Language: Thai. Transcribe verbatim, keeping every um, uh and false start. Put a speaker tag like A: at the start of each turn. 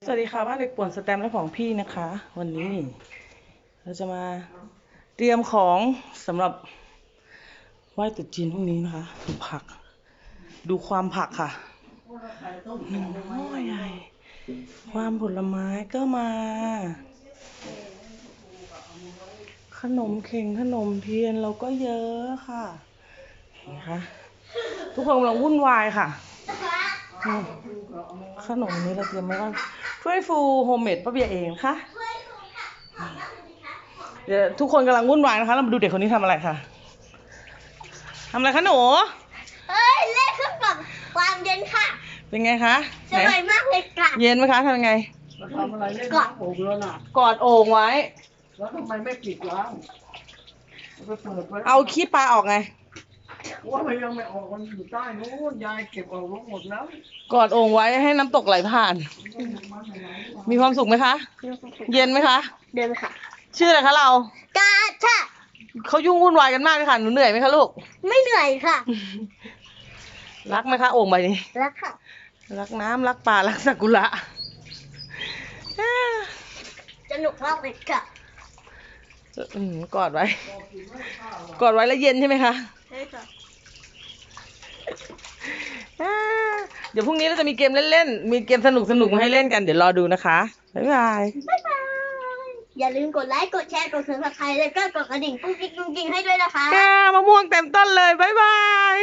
A: สวัสดีค่ะบ้านเด็กป่วนสแตมป์และของพี่นะคะ วันนี้เราจะมาเตรียมของสำหรับไหว้ตรุษจีนพรุ่งนี้นะคะดูผัก ดูความผักค่ะหนึ่งหม้อใหญ่ความผลไม้ก็มา ขนมเข่งขนมเทียนเราก็เยอะค่ะนะคะทุกคนกำลังวุ่นวายค่ะขนมนี้เราเตรียมไว้ว่าถ้วยฟูโฮมเมดป้าเบียเองค่ะเดี๋ยวทุกคนกำลังวุ่นวายนะคะเรามาดูเด็กคนนี้ทำอะไรค่ะทำอะไรคะหนู
B: เฮ้ยเล่นเครื่องปรับความเย็นค่ะ
A: เป็นไงคะ
B: สบายมากเลยค่ะ
A: เย็นไหมคะทำยังไง
C: ทำอะไรเล่นน้ำโอ่งแล้วน่ะ
A: กอดโอ่งไว้
C: แล้วทำไมไม่ปิดล้างไปเปิดไว้
A: เอาขี้ปลาออกไง
C: ว่ามันยังไม่ออกมันอยู่ใต้นู้นยายเก็บออกหมดแล้ว
A: กอดโอ่งไว้ให้น้ำตกไหลผ่านมีความสุขไหมคะเย็นไหมคะ
B: เดินค่ะ
A: ชื่ออะไรคะเรา
B: กาชะ
A: เขายุ่งวุ่นวายกันมากเลยค่ะหนูเหนื่อยไหมคะลูก
B: ไม่เหนื่อยค่ะ
A: รักไหมคะโอ่งใบนี้
B: รักค่ะ
A: รักน้ำรักป่ารักซากุระ
B: สนุกมากเลยค่ะ
A: อืมกอดไว้กอดไว้แล้วเย็นใช่ไหมคะ
B: ใช่ค่ะ
A: เดี๋ยวพรุ่งนี้เราจะมีเกมเล่นๆมีเกมสนุกๆมาให้เล่นกันเดี๋ยวรอดูนะคะบ๊ายบาย
B: บ๊ายบายอย่าลืมกดไลค์กดแชร์กดซับสไครบ์แล้วก็กดกระดิ่งกุ้งกิ๊งกุ้งกิ๊งให้ด้วยนะคะ
A: มะม่วงเต็มต้นเลยบ๊ายบาย